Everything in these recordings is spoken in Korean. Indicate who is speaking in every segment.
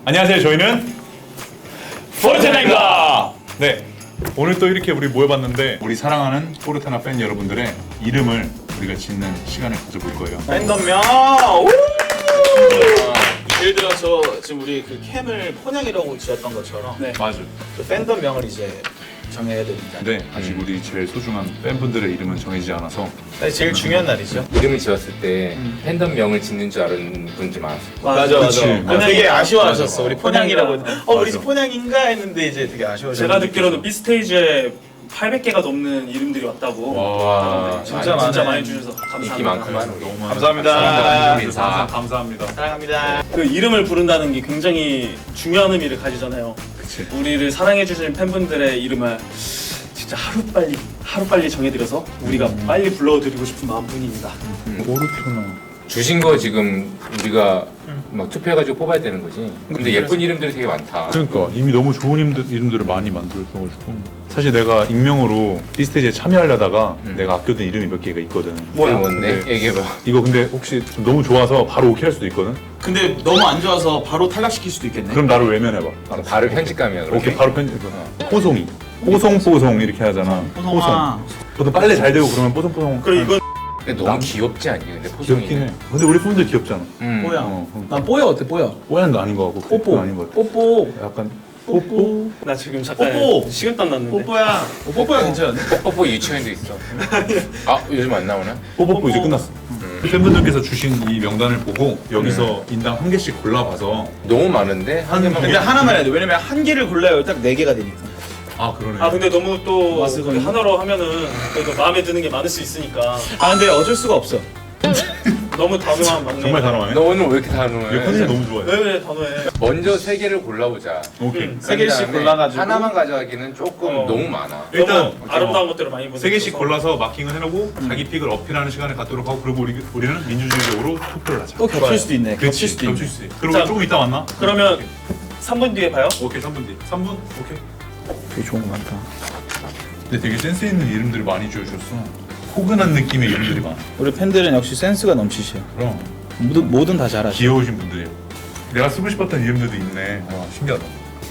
Speaker 1: 안녕하세요. 저희는 포르테나입니다. 네, 오늘 또 이렇게 우리 모여봤는데 우리 사랑하는 포르테나 팬 여러분들의 이름을 우리가 짓는 시간을 가져볼 거예요.
Speaker 2: 팬덤명! 예를 들어서 지금 우리 그 캠을 폰양이라고 지었던 것처럼
Speaker 1: 맞아.
Speaker 2: 그 팬덤명을 이제 정해야 됩니다.
Speaker 1: 네, 아직 우리 제일 소중한 팬분들의 이름은 정해지지 않아서
Speaker 2: 사실 제일 중요한 날이죠.
Speaker 3: 이름을 지었을 때 팬덤명을 짓는 줄 아는 분들 많았어요.
Speaker 2: 맞아.
Speaker 1: 그치.
Speaker 2: 되게 아쉬워하셨어. 우리 폰양이라고.
Speaker 4: 폰양이라.
Speaker 2: 우리 집 폰양인가 했는데 이제 되게 아쉬워하셨어.
Speaker 4: 제가 듣기로는 B스테이지에 800개가 넘는 이름들이 왔다고.
Speaker 3: 와,
Speaker 2: 진짜
Speaker 4: 진짜
Speaker 2: 많네.
Speaker 4: 많이 주셔서 감사합니다.
Speaker 3: 인기 많구만. 우리.
Speaker 2: 감사합니다.
Speaker 3: 인사.
Speaker 1: 감사합니다.
Speaker 2: 사랑합니다.
Speaker 4: 그 이름을 부른다는 게 굉장히 중요한 의미를 가지잖아요.
Speaker 1: 그치.
Speaker 4: 우리를 사랑해주신 팬분들의 이름을 진짜 하루빨리 정해드려서 우리가 빨리 불러드리고 싶은 마음뿐입니다.
Speaker 1: 포르테나.
Speaker 3: 주신 거 지금 우리가 막 투표해가지고 뽑아야 되는 거지. 근데 예쁜 이름들이 되게 많다.
Speaker 1: 그러니까 이미 너무 좋은 이름들을 많이 만들어가지고 사실 내가 익명으로 B스테이지에 참여하려다가 내가 아껴둔 이름이 몇 개가 있거든.
Speaker 3: 뭐야 뭔데?
Speaker 1: 네.
Speaker 3: 얘기해봐.
Speaker 1: 이거 근데 혹시 좀 너무 좋아서 바로 오케이 할 수도 있거든?
Speaker 2: 근데 너무 안 좋아서 바로 탈락시킬 수도 있겠네.
Speaker 1: 그럼 나를 외면해봐.
Speaker 3: 바로 편집감이야. 그렇게.
Speaker 1: 오케이, 바로 편집. 뽀송이. 뽀송뽀송 이렇게 하잖아.
Speaker 2: 뽀송아.
Speaker 1: 보통 빨래 잘 되고 그러면 뽀송뽀송.
Speaker 4: 그리고 이건
Speaker 3: 근데 너무 귀엽지 않니? 근데 포송이.
Speaker 1: 귀엽긴 해. 근데 우리 팬들 귀엽잖아.
Speaker 2: 뽀야.
Speaker 1: 어,
Speaker 2: 난 뽀야 어때 뽀야?
Speaker 1: 뽀얀도 아닌 거 같고.
Speaker 2: 뽀뽀.
Speaker 1: 그건 아닌 거 같아.
Speaker 2: 뽀뽀.
Speaker 1: 약간 뽀뽀.
Speaker 4: 나 지금 잠깐
Speaker 2: 뽀뽀.
Speaker 4: 식은땀 났는데.
Speaker 2: 뽀뽀야. 뽀뽀야 괜찮은데?
Speaker 3: 뽀뽀 유치원도 있어. 아 요즘 안 나오나?
Speaker 1: 뽀뽀뽀 이제 끝났어. 팬분들께서 주신 이 명단을 보고 여기서 인당 한 개씩 골라봐서
Speaker 3: 너무 많은데 한 개만.
Speaker 2: 근데 하나만 해야 돼. 왜냐면 한 개를 골라야 딱 4개가 되니까.
Speaker 1: 아 그러네.
Speaker 4: 아 근데 너무 또
Speaker 2: 마스크
Speaker 4: 그 하나로 하면은 그래도 마음에 드는 게 많을 수 있으니까
Speaker 2: 아 근데 어쩔 수가 없어.
Speaker 4: 너무 단호한 막내.
Speaker 1: 정말 단호하네.
Speaker 3: 너 오늘 왜 이렇게
Speaker 1: 이거
Speaker 3: 단호해?
Speaker 1: 팬들 너무 좋아해.
Speaker 4: 왜 그래 단호해?
Speaker 3: 먼저 3개를 골라보자.
Speaker 1: 오케이.
Speaker 2: 세 개씩
Speaker 3: 그다음에
Speaker 2: 골라가지고.
Speaker 3: 하나만 가져가기는 조금
Speaker 4: 어.
Speaker 3: 너무 많아.
Speaker 1: 일단
Speaker 4: 너무 아름다운 것들을 많이 보내.
Speaker 1: 세 개씩 골라서 마킹을 해놓고 자기 픽을 어필하는 시간을 갖도록 하고 그리고 우리는 민주주의적으로 투표를 하자.
Speaker 2: 또 겹칠 수도 있네.
Speaker 1: 그렇지.
Speaker 2: 겹칠 수도
Speaker 1: 겹칠
Speaker 2: 있네.
Speaker 1: 수 있어. 그리고
Speaker 4: 자,
Speaker 1: 조금 이따 만나.
Speaker 4: 그러면 3분 뒤에 봐요.
Speaker 1: 오케이 3분 뒤. 3분? 오케이.
Speaker 2: 되게 좋은 거 많다.
Speaker 1: 근데 되게 센스 있는 이름들을 많이 지어주셨어. 포근한 느낌의 이름들이 많아.
Speaker 2: 우리 팬들은 역시 센스가 넘치셔.
Speaker 1: 그럼
Speaker 2: 뭐든 다 잘하셔.
Speaker 1: 귀여우신 분들이에요. 내가 쓰고 싶었던 이름들도 있네. 와 신기하다.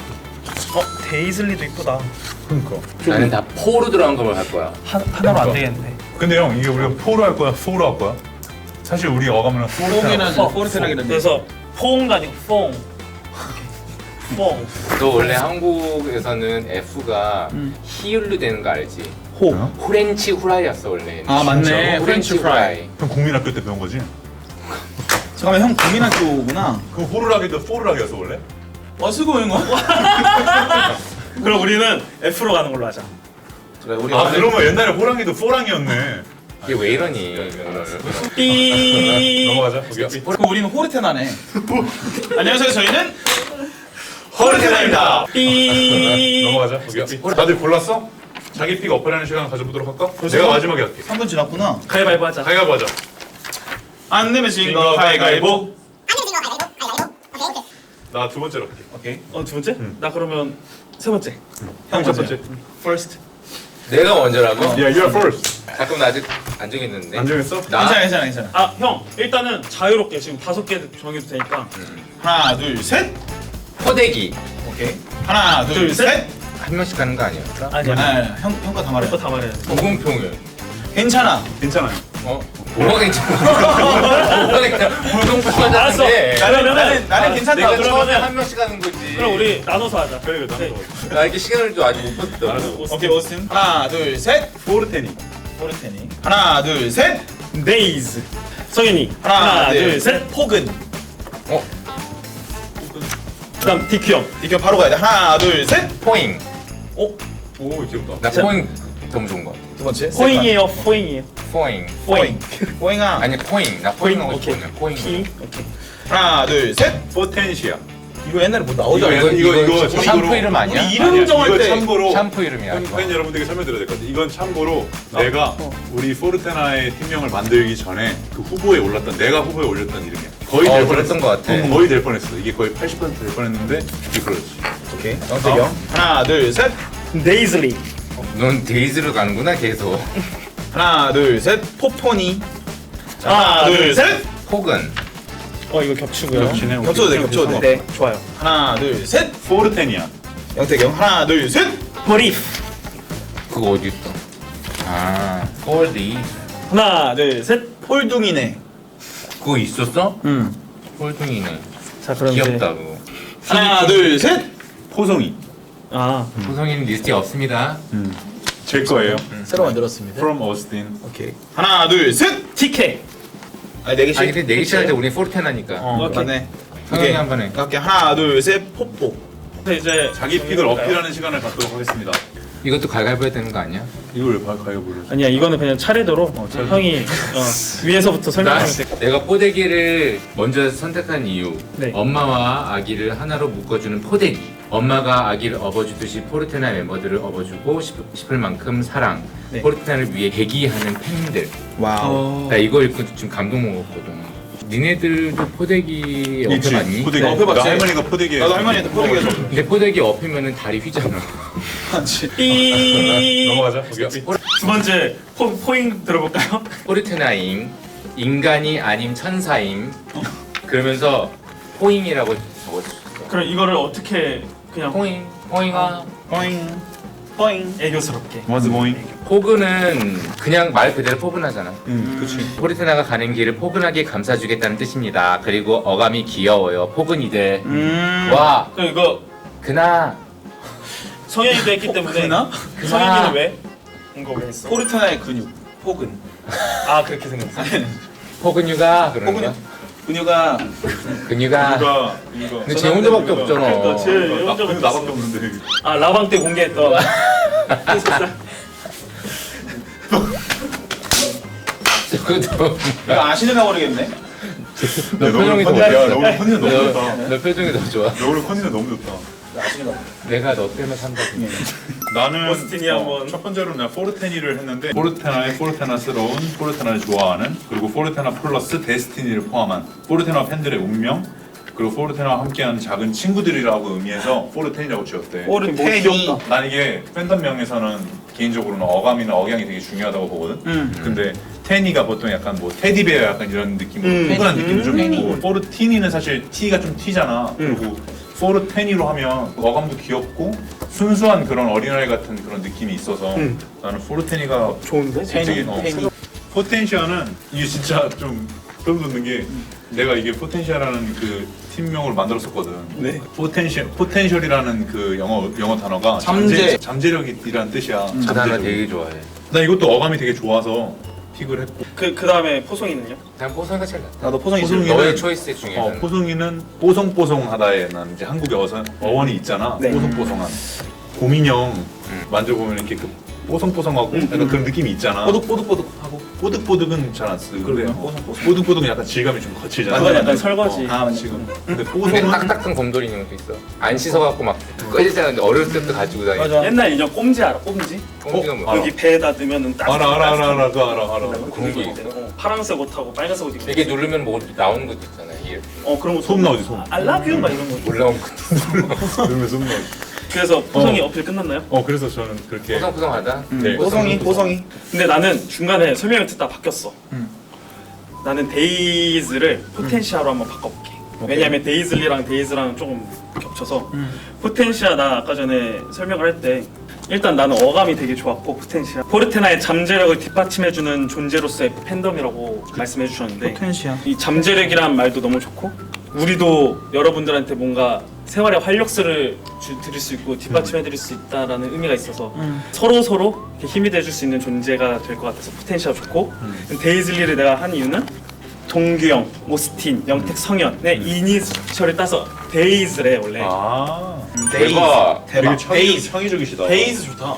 Speaker 4: 데이즐리도 이쁘다.
Speaker 1: 그러니까.
Speaker 3: 나는 다 포로 들어간 걸 할 거야.
Speaker 4: 하나로 안 되겠네.
Speaker 1: 근데 형 이게 우리가 포로 할 거야, 소로 할 거야? 사실 우리 어감은 포르테나.
Speaker 2: 포르테나기는.
Speaker 4: 그래서 포옹도 아니고 퐁. 퐁.
Speaker 3: 너 원래 한국에서는 F가 히읗로 되는 거 알지?
Speaker 2: 호.
Speaker 3: 후렌치 후라이였어 원래.
Speaker 2: 아, 맞네.
Speaker 3: 진짜.
Speaker 2: 후렌치 후라이.
Speaker 1: 형 국민학교 때 배운 거지?
Speaker 2: 잠깐만 형 국민학교구나.
Speaker 1: 그 호루라기도 포르라기였어 원래?
Speaker 2: 쓰고 있는 거?
Speaker 4: 그럼 우리는 F로 가는 걸로 하자.
Speaker 2: 그래 우리
Speaker 1: 아 그러면 옛날에 호랑이도 포랑이었네.
Speaker 3: 이게 왜 이러니?
Speaker 4: 삐.
Speaker 1: 넘어가자. 오케이.
Speaker 2: 그럼 우리는 호르테나네. 안녕하세요. 저희는
Speaker 4: 포르테나입니다. 삐.
Speaker 1: 넘어가자. 오케이. 다들 골랐어? 자기 픽 어필하는 시간 가져보도록 할까? 내가 마지막에 할게.
Speaker 2: 3분 지났구나.
Speaker 4: 가위바위보 하자.
Speaker 1: 가위바위보 하자.
Speaker 2: 안 내면 진 거 가위가위보.
Speaker 1: 나 두 번째로 할게.
Speaker 2: 오케이.
Speaker 4: 두 번째? 나 그러면 세 번째.
Speaker 1: 형 첫 번째.
Speaker 2: First.
Speaker 3: 내가 먼저라고?
Speaker 1: Yeah, you're first.
Speaker 3: 잠깐 나 아직 안 정했는데.
Speaker 1: 안 정했어?
Speaker 3: 나
Speaker 2: 괜찮아.
Speaker 4: 아, 형, 일단은 자유롭게 지금 5개 정해도 되니까.
Speaker 2: 하나, 둘, 셋.
Speaker 3: 포대기
Speaker 2: 오케이. 하나, 둘,
Speaker 4: 둘,
Speaker 2: 셋.
Speaker 3: 한 명씩 가는 거 아니었어?
Speaker 4: 아니야.
Speaker 2: 형과 다 말해.
Speaker 4: 이거 다 말해.
Speaker 3: 무공평을.
Speaker 2: 괜찮아.
Speaker 1: 괜찮아요.
Speaker 3: 뭐가 괜찮아? 뭐가 괜찮아? 무공평하다는데.
Speaker 2: 나는 괜찮다.
Speaker 3: 내가
Speaker 4: 그러면은-
Speaker 3: 처음에 한 명씩 하는 거지.
Speaker 4: 그럼 우리 나눠서 하자.
Speaker 1: 그래, 나는
Speaker 3: 나 이렇게 시간을 좀 아직 못 봤어.
Speaker 2: 오케이, 오스틴. 하나, 둘, 셋.
Speaker 1: 포르테니.
Speaker 2: 포르테니. 하나, 둘, 셋.
Speaker 4: 데이즈. 성현이.
Speaker 2: 하나,
Speaker 4: 둘,
Speaker 2: 둘,
Speaker 4: 셋.
Speaker 2: 셋. 포근.
Speaker 4: 그다음 디큐 형.
Speaker 2: 이렇게 바로 가야 돼. 하나, 둘, 셋.
Speaker 3: 포잉.
Speaker 1: 오 귀엽다.
Speaker 3: 나 포잉 너무 좋은 거 같아.
Speaker 2: 두 번째.
Speaker 4: 포잉이에요, 포잉이에요.
Speaker 3: 포잉.
Speaker 2: 포잉. 포잉아.
Speaker 3: 아니 포잉. 나 포잉 하고
Speaker 4: 오케이.
Speaker 3: 싶거든. 포잉.
Speaker 4: 피. 오케이.
Speaker 2: 하나, 둘, 셋.
Speaker 1: 포텐시아.
Speaker 2: 이거 옛날에 뭐 나오잖아.
Speaker 1: 이거
Speaker 3: 샴푸
Speaker 1: 참고로-
Speaker 3: 이름 아니야?
Speaker 2: 우리 이름 정할
Speaker 1: 이거
Speaker 2: 때
Speaker 1: 참고로
Speaker 3: 샴푸 이름이야.
Speaker 1: 팬 여러분들에게 설명드려야 될 것 같아. 이건 참고로 내가 우리 포르테나의 팀명을 만들기 전에 그 후보에 올랐던 내가 후보에 올렸던 이름이야. 거의 될
Speaker 3: 그랬던 거 같아.
Speaker 1: 거의 될 뻔했어. 이게 거의 80%될 뻔했는데 이게 그렇지.
Speaker 2: 오케이. 영택이 형. 하나, 둘, 셋.
Speaker 4: 데이즐리.
Speaker 3: 넌 데이즈로 가는구나 계속.
Speaker 2: 하나, 둘, 셋. 포포니.
Speaker 4: 하나, 둘, 셋.
Speaker 3: 폭은
Speaker 4: 이거 겹치고요.
Speaker 1: 겹치네. 오케이.
Speaker 2: 겹쳐도 돼, 겹쳐도 돼.
Speaker 4: 네, 좋아요.
Speaker 2: 하나, 둘, 셋.
Speaker 1: 포르테니아.
Speaker 2: 영택형 하나, 둘, 셋.
Speaker 4: 버리프.
Speaker 3: 그거 어디 있어? 아, 폴디.
Speaker 4: 하나, 둘, 셋.
Speaker 2: 폴둥이네.
Speaker 3: 그거 있었어?
Speaker 2: 응.
Speaker 3: 폴둥이네.
Speaker 4: 자, 그럼
Speaker 3: 귀엽다 그거.
Speaker 2: 하나, 둘, 셋.
Speaker 1: 포송이.
Speaker 3: 구성인 리스트에 없습니다.
Speaker 1: 제 거예요.
Speaker 2: 새로 만들었습니다.
Speaker 1: From Austin.
Speaker 2: 오케이. 하나, 둘, 셋.
Speaker 4: TK.
Speaker 2: 아니, 네 개씩.
Speaker 3: 아니 근데 내기 시작할 때 우리 포르테나니까.
Speaker 2: 오케이. 맞네.
Speaker 3: 성현이 한 번에.
Speaker 2: 오케이. 하나, 둘, 셋. 뽀뽀.
Speaker 4: 근데 이제
Speaker 1: 자기 픽을 어필하는 시간을 갖도록 하겠습니다.
Speaker 3: 이것도 갈갈보 해야 되는 거 아니야?
Speaker 1: 이걸 왜 가위바위보를?
Speaker 4: 아니야, 이거는 그냥 차례대로 형이 위에서부터 설명하면 돼.
Speaker 3: 내가 포대기를 먼저 선택한 이유.
Speaker 4: 네.
Speaker 3: 엄마와 아기를 하나로 묶어주는 포대기. 엄마가 아기를 업어주듯이 포르테나 멤버들을 업어주고 싶을 만큼 사랑.
Speaker 4: 네.
Speaker 3: 포르테나를 위해 대기하는 팬들.
Speaker 2: 와우.
Speaker 3: 나 이거 읽고 좀 감동 먹었거든. 니네들도 포대기
Speaker 1: 있지.
Speaker 3: 업해봤니?
Speaker 1: 포대기.
Speaker 2: 어, 해봤지.
Speaker 1: 나 할머니가 포대기.
Speaker 2: 나도 할머니한테 포대기해서.
Speaker 3: 근데 포대기 업히면은 다리 휘잖아.
Speaker 4: 삐.
Speaker 1: 넘어가자. 오케이.
Speaker 4: 두 번째 포잉 들어볼까요?
Speaker 3: 포르테나임 인간이 아님 천사임 그러면서 포잉이라고 적어주셨어.
Speaker 4: 그럼 이거를 어떻게 그냥
Speaker 3: 포잉 포잉아.
Speaker 2: 포잉. 포잉.
Speaker 4: 애교스럽게.
Speaker 1: What's going?
Speaker 3: 포근은 그냥 말 그대로 포근하잖아.
Speaker 1: 그치.
Speaker 3: 포르테나가 가는 길을 포근하게 감싸주겠다는 뜻입니다. 그리고 어감이 귀여워요. 포근이들. 와
Speaker 4: 그럼 이거
Speaker 3: 그나
Speaker 4: 성현이도 했기 때문에
Speaker 2: 그나?
Speaker 4: 성현이는 왜? 이거 왜 했어?
Speaker 2: 포르테나의 근육. 포근.
Speaker 4: 아, 그렇게 생겼어.
Speaker 3: 포근유가 그런
Speaker 2: 포근육.
Speaker 3: 거야?
Speaker 2: 근육아.
Speaker 3: 근유가.
Speaker 1: 이거.
Speaker 3: 근데 제 혼자밖에 없잖아.
Speaker 4: 그러니까 제
Speaker 1: 나
Speaker 4: 혼자
Speaker 1: 근데 나밖에 없는데.
Speaker 4: 아, 라방 때 공개했던
Speaker 3: 그것도
Speaker 2: 이거 아시는가 모르겠네.
Speaker 3: 너 표정이 더
Speaker 1: 야,
Speaker 3: 좋았어.
Speaker 1: 너 오늘 컨디션 너무 좋다.
Speaker 3: 너 표정이 더 좋아.
Speaker 1: 너 오늘 컨디션 너무 좋다.
Speaker 2: 아시는가 모르겠네.
Speaker 3: 내가 너 때문에 산다.
Speaker 1: 나는
Speaker 4: 오스틴이 한번.
Speaker 1: 첫 번째로 내가 포르테니를 했는데 포르테나의 포르테나스러운 포르테나를 좋아하는 그리고 포르테나 플러스 데스티니를 포함한 포르테나 팬들의 운명 그리고 포르테나와 함께하는 작은 친구들이라고 의미해서 포르테니라고 지었대.
Speaker 2: 포르테니.
Speaker 1: 난 이게 팬덤명에서는 개인적으로는 어감이나 억양이 되게 중요하다고 보거든. 근데 테니가 보통 약간 뭐 테디베어 약간 이런 느낌으로 포근한 느낌도 좀 있고 포르티니는 사실 T가 좀 T잖아. 그리고 포르테니로 하면 어감도 귀엽고 순수한 그런 어린아이 같은 그런 느낌이 있어서 나는 포르테니가
Speaker 4: 좋은데?
Speaker 1: 되게
Speaker 2: 테니.
Speaker 1: 포텐시아는 이게 진짜 좀 소름 돋는 게 내가 이게 포텐시아라는 그 팀명을 만들었었거든.
Speaker 2: 네.
Speaker 1: 포텐셜이라는 그 영어 단어가
Speaker 2: 잠재.
Speaker 1: 잠재력이라는 뜻이야.
Speaker 3: 그 단어 되게 좋아해.
Speaker 1: 나 이것도 어감이 되게 좋아서 픽을 했고.
Speaker 4: 그 다음에 포송이는요?
Speaker 3: 난 뽀송이가 제일 낫다.
Speaker 2: 나도 포성이
Speaker 1: 포성이.
Speaker 2: 있어.
Speaker 3: 너의 초이스 중에는
Speaker 1: 포송이는 뽀송뽀송하다에는 이제 한국에 어원이 있잖아.
Speaker 4: 네.
Speaker 1: 뽀송뽀송한. 곰인형 만져보면 이렇게 그 뽀송뽀송하고 약간 그런 느낌이 있잖아.
Speaker 2: 뽀득뽀득뽀득하고.
Speaker 1: 뽀득뽀득은 잘 안 쓰는데
Speaker 2: 그러게요. 뽀송뽀송.
Speaker 1: 뽀득뽀득은 약간 질감이 좀 거칠잖아.
Speaker 4: 그건 약간 설거지.
Speaker 2: 아, 맞네.
Speaker 1: 지금. 근데
Speaker 3: 근데
Speaker 1: 뽀송은
Speaker 3: 딱딱한 곰돌이 인형도 있어. 안 씻어갖고 막 꺼지잖아. 어렸을 때부터 가지고 다니고.
Speaker 2: 맞아.
Speaker 4: 옛날 인형 꼼지 알아? 꼼지?
Speaker 3: 곰지가 뭐야?
Speaker 1: 알아.
Speaker 4: 여기 배에다 넣으면은 딱
Speaker 1: 알아. 그거 알아.
Speaker 3: 그런 게 있어.
Speaker 4: 파란색 옷하고 빨간색 옷 입고
Speaker 3: 이게 누르면 뭐 나오는 것도 있잖아. 이게
Speaker 4: 그런 거
Speaker 1: 소음 나오지, 소음.
Speaker 4: 알라뷰 막 이런 거.
Speaker 3: 올라온 것도
Speaker 1: 그러면 좀
Speaker 4: 그래서 포송이 어필 끝났나요?
Speaker 1: 그래서 저는 그렇게
Speaker 3: 뽀송뽀송하다.
Speaker 1: 네.
Speaker 2: 포성이.
Speaker 4: 근데 나는 중간에 설명을 듣다 바뀌었어. 나는 데이즈를 포텐시아로 한번 바꿔볼게. 왜냐면 데이즐리랑 데이즈랑 조금 겹쳐서 포텐시아 나 아까 전에 설명을 할 때 일단 나는 어감이 되게 좋았고 포텐시아 포르테나의 잠재력을 뒷받침해주는 존재로서의 팬덤이라고 말씀해 주셨는데
Speaker 2: 포텐시아.
Speaker 4: 이 잠재력이란 말도 너무 좋고 우리도 여러분들한테 뭔가 생활의 활력소를 드릴 수 있고 뒷받침해드릴 수 있다라는 의미가 있어서 서로 이렇게 힘이 돼줄 수 있는 존재가 될 것 같아서 포텐시아 좋고 데이즐리를 내가 한 이유는 동규형, 오스틴, 영택, 성현의 이니셜을 따서 데이즈래 원래.
Speaker 3: 대박.
Speaker 1: 되게
Speaker 2: 데이즈.
Speaker 1: 창의적이시다.
Speaker 2: 데이즈 좋다.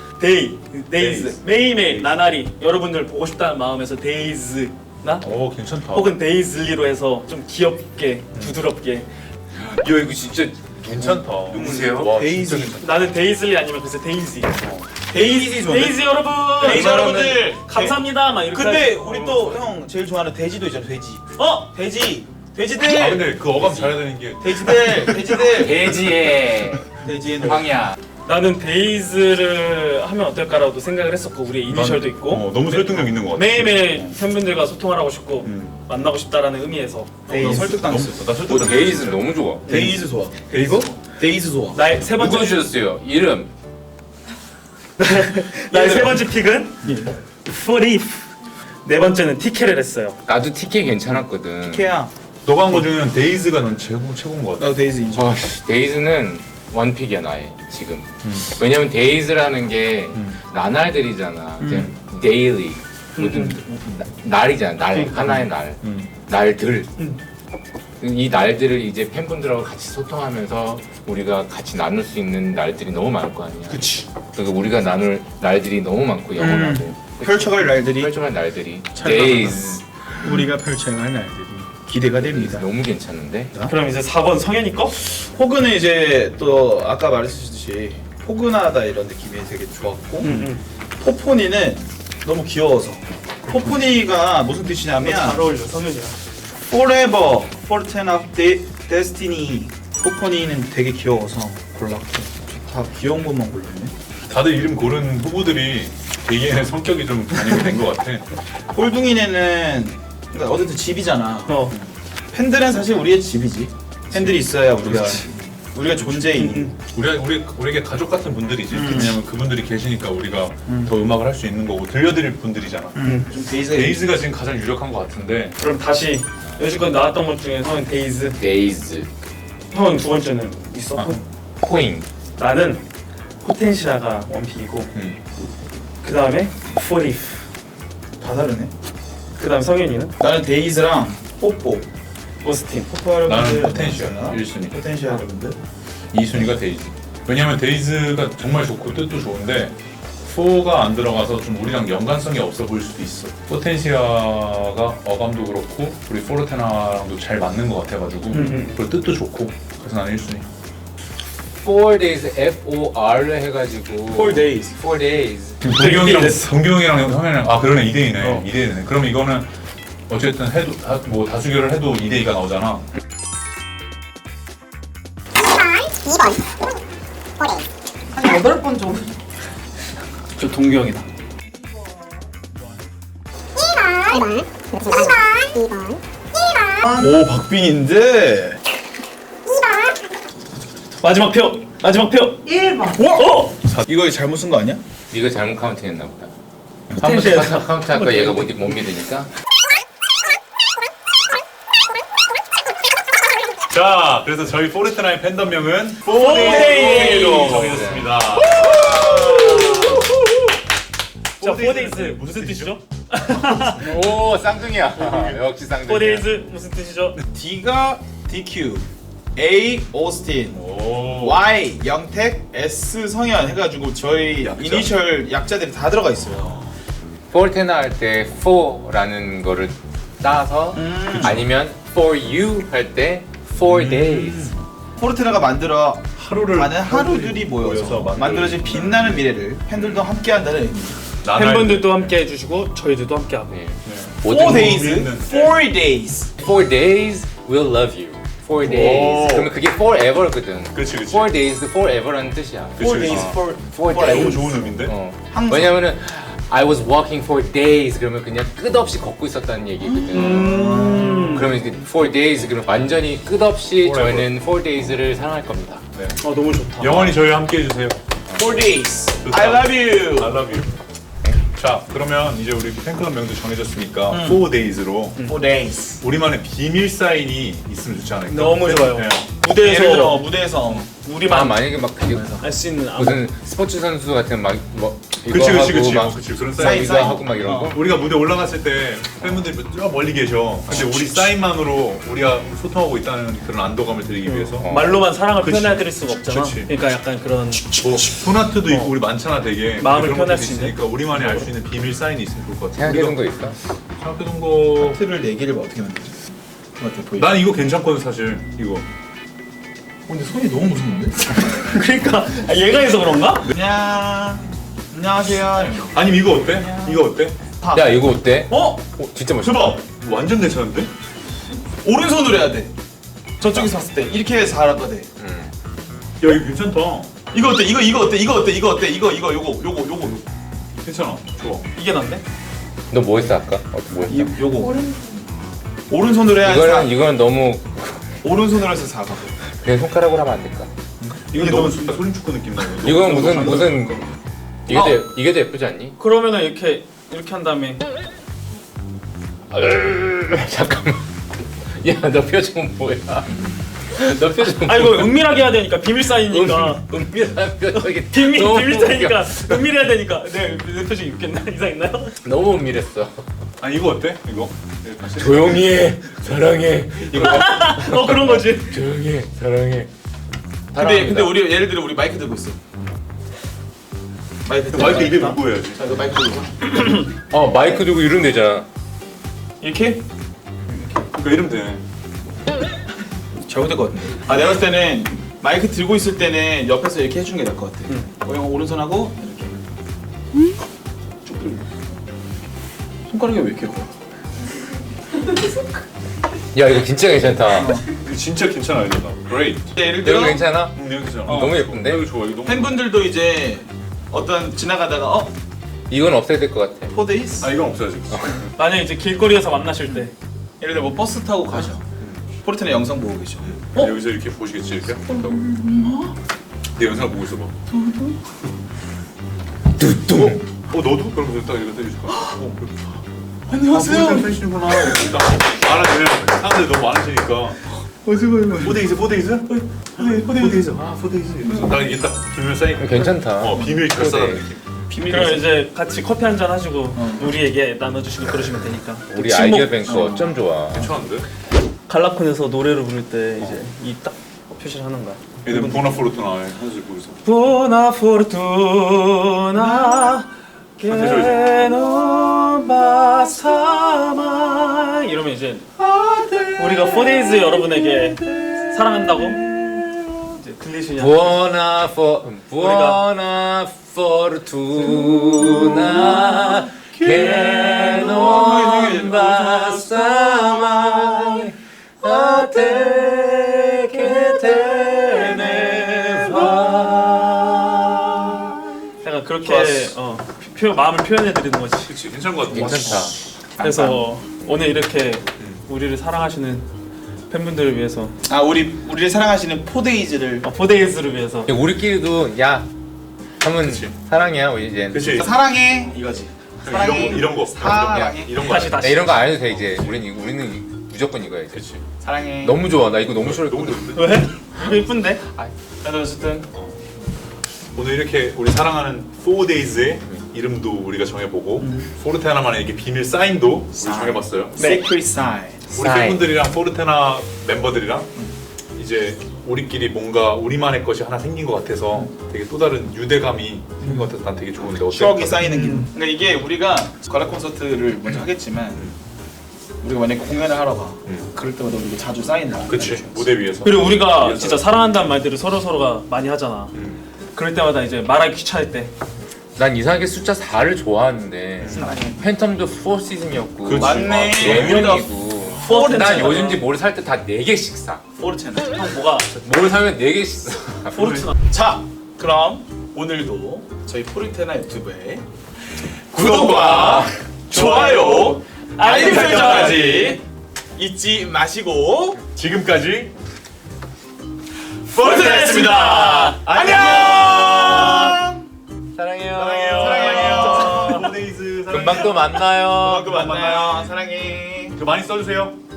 Speaker 4: 데이즈 매일매일 나날이 여러분들 보고 싶다는 마음에서 데이즈나
Speaker 1: 괜찮다.
Speaker 4: 혹은 데이즐리로 해서 좀 귀엽게 부드럽게
Speaker 3: 야 이거 진짜
Speaker 1: 괜찮다.
Speaker 3: 누구세요?
Speaker 1: 와,
Speaker 2: 데이즈.
Speaker 1: 진짜 괜찮다.
Speaker 4: 나는 데이즐리 아니면 글쎄 데이지.
Speaker 2: 데이즈 좋은데?
Speaker 4: 데이지 여러분,
Speaker 2: 데이지 여러분들.
Speaker 4: 감사합니다. 막 이렇게.
Speaker 2: 근데
Speaker 4: 하시고.
Speaker 2: 우리 또 형 제일 좋아하는 돼지도 있잖아. 돼지. 돼지.
Speaker 1: 아
Speaker 2: 돼지들.
Speaker 1: 근데 그 어감 잘해야 되는 게
Speaker 2: 돼지들.
Speaker 3: 돼지의
Speaker 2: 돼지의 노래.
Speaker 3: 황야.
Speaker 4: 나는 데이즈를 하면 어떨까라고 생각을 했었고 우리 이니셜도 있고
Speaker 1: 너무 설득력 있는 것 같아.
Speaker 4: 매일매일 팬분들과 소통하고 싶고 만나고 싶다라는 의미에서
Speaker 2: 나 설득당했어.
Speaker 1: 나 설득.
Speaker 3: 데이즈 너무 좋아.
Speaker 2: 데이즈 좋아. 그리고 데이즈 좋아.
Speaker 4: 나의 세 번째
Speaker 3: 누가 주셨어요? 이름.
Speaker 4: 나의 세 번째 픽은 포리프. 네 번째는 티켓을 했어요.
Speaker 3: 나도 티켓 괜찮았거든.
Speaker 2: 케야.
Speaker 1: 너가 한 거 중에는 데이즈가 넌 최고인 것 같아.
Speaker 2: 나도 데이즈 인정.
Speaker 3: 데이즈는 원픽이야 나의 지금. 왜냐면 데이즈라는 게 나날들이잖아. 이제 데일리 모든 날이잖아. 날 하나의 날. 날들. 이 날들을 이제 팬분들하고 같이 소통하면서 우리가 같이 나눌 수 있는 날들이 너무 많을 거 아니야.
Speaker 2: 그치.
Speaker 3: 그리고 우리가 나눌 날들이 너무 많고 영원하고
Speaker 2: 펼쳐갈 날들이
Speaker 3: 펼쳐갈 날들이
Speaker 2: 잘
Speaker 3: 데이즈
Speaker 2: 우리가 펼쳐갈 날들이 기대가 됩니다.
Speaker 3: 너무 괜찮은데?
Speaker 4: 그럼 이제 4번 성현이 거?
Speaker 2: 포근은 이제 또 아까 말했듯이 포근하다 이런 느낌이 되게 좋았고 포포니는 너무 귀여워서 포포니가 무슨 뜻이냐면
Speaker 4: 잘 어울려 성현이랑.
Speaker 2: Forever, Fortune of Destiny 포포니는 되게 귀여워서 골랐고 다 귀여운 것만 골랐네.
Speaker 1: 다들 이름 고른 후보들이 개개인의 성격이 좀 반영이 된 것 같아.
Speaker 2: 꼴둥이네는 그러니까 어쨌든 집이잖아.
Speaker 4: 어.
Speaker 2: 팬들은 사실 우리의 집이지. 팬들이 있어야 우리가 존재이니.
Speaker 1: 우리에게 가족 같은 분들이지. 왜냐면 그분들이 계시니까 우리가 더 음악을 할 수 있는 거고 들려드릴 분들이잖아.
Speaker 2: 좀
Speaker 1: 데이즈가 지금 가장 유력한 것 같은데.
Speaker 4: 그럼 다시 여지껏 나왔던 것 중에서는 데이즈.
Speaker 3: 데이즈
Speaker 4: 형은 두 번째는 있어?
Speaker 3: 코잉
Speaker 4: 나는 포텐시아가 원픽이고 그 다음에 포리프.
Speaker 2: 다 다르네.
Speaker 4: 그 다음 성현이는
Speaker 2: 나는 데이즈랑 뽀뽀.
Speaker 4: 오스틴.
Speaker 2: 뽀뽀 여러분들.
Speaker 1: 나는 포텐시아 1순위.
Speaker 2: 포텐시아 여러분들.
Speaker 1: 2순위가 데이즈. 왜냐면 데이즈가 정말 좋고 뜻도 좋은데 4가 안 들어가서 좀 우리랑 연관성이 없어 보일 수도 있어. 포텐시아가 어감도 그렇고 우리 포르테나랑도 잘 맞는 것 같아가지고 그리고 뜻도 좋고 그래서 나는 1순위.
Speaker 3: 4 days FOR를 해가지고
Speaker 2: 4 days.
Speaker 3: 4 days
Speaker 1: 동경이랑 형이랑 아 그러네 2대2네.
Speaker 4: 어.
Speaker 1: 2대2네. 그럼 이거는 어쨌든 해도 뭐 다수결을 해도 2대2가 나오잖아.
Speaker 5: 8번 좀.
Speaker 2: 저 동규 형이다.
Speaker 5: 1번. 2번. 2번.
Speaker 2: 오 박빙인데.
Speaker 4: 마지막 표. 마지막 표.
Speaker 5: 1번.
Speaker 4: 어?
Speaker 2: 이거 잘못 쓴 거 아니야?
Speaker 3: 네가 잘못 카운팅했나 보다.
Speaker 4: 포텐시아.
Speaker 3: 한번 카운트할까 얘가 못 믿으니까.
Speaker 1: 자, 그래서 저희 포르테나의 팬덤명은
Speaker 4: 4데이로
Speaker 1: 정해졌습니다.
Speaker 4: 자, 4데이즈 무슨 뜻이죠?
Speaker 3: 오 쌍둥이야. 역시 쌍둥이야.
Speaker 4: 4데이즈 무슨 뜻이죠?
Speaker 2: D가 DQ, A 오스틴,
Speaker 1: 오.
Speaker 2: Y 영택, S 성현 해가지고 저희
Speaker 1: 약자?
Speaker 2: 이니셜 약자들이 다 들어가 있어요.
Speaker 3: 포르테나 할 때 4라는 거를 따서 아니면 for you 할 때 4 days.
Speaker 2: 포르테나가 만들어
Speaker 1: 하루를
Speaker 2: 가는 하루들이 모여서 만들어진 빛나는 미래를 팬들도 함께한다는 의미.
Speaker 4: 팬분들도 함께 해주시고 저희들도 함께 하고.
Speaker 3: 네.
Speaker 2: 4
Speaker 3: 모든
Speaker 2: days,
Speaker 1: 의미는-
Speaker 2: 4 days.
Speaker 3: 4 days will love you. 4 days.
Speaker 1: 오.
Speaker 3: 그러면 그게 forever거든.
Speaker 1: 그치, 그치.
Speaker 3: 4 days forever라는 뜻이야.
Speaker 2: 4 days
Speaker 3: 어.
Speaker 2: for
Speaker 3: 4
Speaker 1: 너무
Speaker 3: days.
Speaker 1: 좋은 의미인데?
Speaker 3: 어.
Speaker 2: 항상.
Speaker 3: 왜냐면은 I was walking for days 그러면 그냥 끝없이 걷고 있었다는 얘기거든. 그러면 이제 4 days 그러면 완전히 끝없이
Speaker 1: Forever.
Speaker 3: 저희는 4 days를 사랑할 겁니다.
Speaker 4: 어 너무 좋다.
Speaker 1: 영원히 저희와 함께 해주세요.
Speaker 2: 4 days.
Speaker 1: 좋다.
Speaker 2: I love you.
Speaker 1: I love you. 자, 그러면 이제 우리 팬클럽 명도 정해졌으니까 4 days로
Speaker 2: 4 days.
Speaker 1: 우리만의 비밀 사인이 있으면 좋지 않을까?
Speaker 4: 너무 좋아요.
Speaker 1: 네.
Speaker 2: 예를 들어
Speaker 4: 무대에서
Speaker 2: 무대에서
Speaker 4: 우리만
Speaker 3: 만약에 막 그게
Speaker 4: 알 수 있는
Speaker 3: 무슨 스포츠 선수 같은 막 뭐 이거
Speaker 1: 그치, 그치,
Speaker 3: 하고
Speaker 1: 그치.
Speaker 3: 막
Speaker 1: 그치, 그런
Speaker 2: 사인,
Speaker 1: 사인.
Speaker 3: 이거 하고 막 이런 거.
Speaker 1: 우리가 무대 올라갔을 때 팬분들이 저 멀리 계셔. 근데 우리 사인만으로 우리가 소통하고 있다는 그런 안도감을 드리기 위해서
Speaker 4: 말로만 사랑을
Speaker 1: 그치.
Speaker 4: 표현해드릴 수가 없잖아.
Speaker 1: 그치.
Speaker 4: 그러니까 약간 그런
Speaker 1: 뭐 소나트도 있고 우리 많잖아 되게.
Speaker 4: 마음을
Speaker 1: 그런
Speaker 4: 표현할
Speaker 1: 것들이
Speaker 4: 수 있는?
Speaker 1: 있으니까 우리만이 알 수 있는 비밀 사인이 있으면 좋을 것 같아.
Speaker 3: 생각해둔 거 있어?
Speaker 1: 생각해둔 거.
Speaker 2: 틀을 4개를 어떻게 만들지? 어떻게 보이?
Speaker 1: 난 이거 괜찮거든 사실. 이거.
Speaker 2: 근데 손이 너무 무서운데?
Speaker 4: 그러니까 얘가 해서 그런가?
Speaker 2: 안녕하세요.
Speaker 1: 아니면 이거 어때? 이거 어때?
Speaker 3: 야 이거 어때?
Speaker 2: 어?
Speaker 3: 진짜 멋있다.
Speaker 1: 대박. 완전 괜찮은데?
Speaker 2: 오른손으로 해야 돼. 저쪽에서 봤을 때 이렇게 해서 하라고 돼.
Speaker 1: 야 이거 괜찮다.
Speaker 2: 이거 어때? 이거 어때? 요거.
Speaker 1: 괜찮아. 좋아.
Speaker 4: 이게 난데?
Speaker 3: 너 뭐 했어 아까? 뭐 했어?
Speaker 2: 요거. 오른손으로 해야
Speaker 3: 이거는 너무
Speaker 2: 오른손으로 해서 4가.
Speaker 3: 그냥 손가락으로 하면 안 될까?
Speaker 1: 이건 너무 소림축구 느낌 나요.
Speaker 3: 이건 무슨 이게 더 예쁘지 않니?
Speaker 4: 그러면은 이렇게 한 다음에
Speaker 3: 잠깐만. 야, 너 표정은 뭐야? 너 표정.
Speaker 4: 아 이거 은밀하게 해야 되니까 비밀 사이니까
Speaker 3: 은밀한 표정이
Speaker 4: 비밀 사이니까 은밀해야 되니까 내 표정이 웃겼나? 이상했나요?
Speaker 3: 너무 은밀했어.
Speaker 1: 아 이거 어때? 이거?
Speaker 3: 조용히 해, 사랑해. 이거
Speaker 4: 그런 거지.
Speaker 3: 조용히 해, 사랑해.
Speaker 2: 근데 우리 예를 들어 우리 마이크 들고 있어. 마이크
Speaker 1: 입에 물고 해야지.
Speaker 2: 자, 이거 마이크 들고.
Speaker 3: 마이크 들고 이러면 되잖아.
Speaker 2: 이렇게?
Speaker 1: 그러니까 이러면 되네.
Speaker 2: 잘못될 것 같은데. 아 내가 봤을 때는 마이크 들고 있을 때는 옆에서 이렇게 해주는 게 나을 것 같아. 오른손하고 이렇게. 쭉 들고. 손가락이 왜 이렇게 커?
Speaker 3: 야, 이거 진짜 괜찮다.
Speaker 1: 이거 진짜 괜찮아 이거. Great.
Speaker 2: 예를 들어
Speaker 3: 여기 괜찮아?
Speaker 1: 이거 괜찮아.
Speaker 3: 너무 예쁜데?
Speaker 1: 이거 좋아. 이거 너무.
Speaker 2: 팬분들도 이제 어떤 지나가다가
Speaker 3: 이건 없애야 될 것 같아.
Speaker 2: 4days?
Speaker 1: 아 이건 없어야지.
Speaker 4: 만약 이제 길거리에서 만나실 때
Speaker 2: 예를 들어 뭐 버스 타고 가셔. 포르테나 영상 보고 계셔.
Speaker 1: 여기서 이렇게 보시겠지 이렇게. 내 영상 보고 있어봐.
Speaker 3: 뚜뚱.
Speaker 1: 너도? 그럼 딱 이거 떼줄 거야.
Speaker 2: 안녕하세요.
Speaker 1: 팬이시구나. 많아지면 사람들이 너무 많으시니까. 포데이즈. 딱 이게 딱 비밀 사인.
Speaker 3: 괜찮다.
Speaker 1: 비밀 결사라는 느낌.
Speaker 4: 그럼 이제 같이 커피 한 잔 하시고 우리에게 나눠주시고 그러시면 되니까.
Speaker 3: 우리 아이디어 뱅크 어쩜 좋아.
Speaker 1: 괜찮은데?
Speaker 4: 갈라콘에서 노래를 부를 때 이제 이 딱 표시를 하는 거야.
Speaker 1: 얘들 보나포르토나 한술 보이서.
Speaker 4: Buona fortuna che non basta mai 이러면 이제 우리가 4days 여러분에게 사랑한다고 이제 들리시냐?
Speaker 3: Buona fortuna che non basta mai a te che te ne va.
Speaker 4: 약간 그렇게 마음을 표현해 드리는 거지.
Speaker 1: 그치 괜찮은 것 같아.
Speaker 3: 괜찮다.
Speaker 4: 그래서 오늘 이렇게 우리를 사랑하시는 팬분들을 위해서
Speaker 2: 우리를 사랑하시는 4days를
Speaker 4: 4days를 위해서
Speaker 3: 우리끼리도 야 하면
Speaker 1: 그치.
Speaker 3: 사랑이야 우리 이제.
Speaker 1: 그치.
Speaker 2: 사랑해 이거지.
Speaker 1: 이런 거.
Speaker 2: 사랑해.
Speaker 1: 이런 거.
Speaker 4: 다시
Speaker 3: 나 이런 거 안 해도 돼 이제. 우리는 무조건 이거야 이제.
Speaker 1: 그치.
Speaker 2: 사랑해.
Speaker 3: 너무 좋아. 나 이거 너무 싫어.
Speaker 1: 너무 좋은데?
Speaker 4: 왜? 이거 이쁜데?
Speaker 2: 그래도 어쨌든
Speaker 1: 오늘 이렇게 우리 사랑하는 4days의 이름도 우리가 정해보고 포르테나만의 이렇게 비밀 사인도 우리 정해봤어요.
Speaker 2: Secret Sign.
Speaker 1: 우리 팬분들이랑 포르테나 멤버들이랑 이제 우리끼리 뭔가 우리만의 것이 하나 생긴 것 같아서 되게 또 다른 유대감이 생긴 것 같아서 난 되게 좋은데 어때?
Speaker 2: 추억이 쌓이는 기분. 그러니까 이게 우리가 가라 콘서트를 먼저 하겠지만 우리가 만약에 공연을 하러 가. 그럴 때마다 우리가 자주 쌓이는 거야.
Speaker 1: 그치 무대 위에서.
Speaker 4: 그리고 우리가
Speaker 1: 위에서.
Speaker 4: 진짜 사랑한다는 말들을 서로가 많이 하잖아. 그럴 때마다 이제 말하기 귀찮을 때
Speaker 3: 난 이상하게 숫자 4를 좋아하는데
Speaker 2: 사랑해.
Speaker 3: 팬텀도 4 시즌이었고
Speaker 1: 그치.
Speaker 2: 맞네.
Speaker 3: 4명이고
Speaker 2: 포르테나.
Speaker 3: 난 요즘지 뭘 살 때 다 4개씩 사.
Speaker 2: 포르테나.
Speaker 4: 형 뭐가
Speaker 3: 뭘 사면 4개씩 사.
Speaker 4: 포르투나
Speaker 2: 자, 그럼 오늘도 저희 포르테나 유튜브에 구독과 좋아요, 알림 설정까지 잊지 마시고
Speaker 1: 지금까지
Speaker 2: 포르테나였습니다. 안녕.
Speaker 3: 사랑해요.
Speaker 2: 사랑해요.
Speaker 1: 4days
Speaker 3: 금방 또 만나요.
Speaker 2: 만나요. 사랑해.
Speaker 1: 많이 써주세요.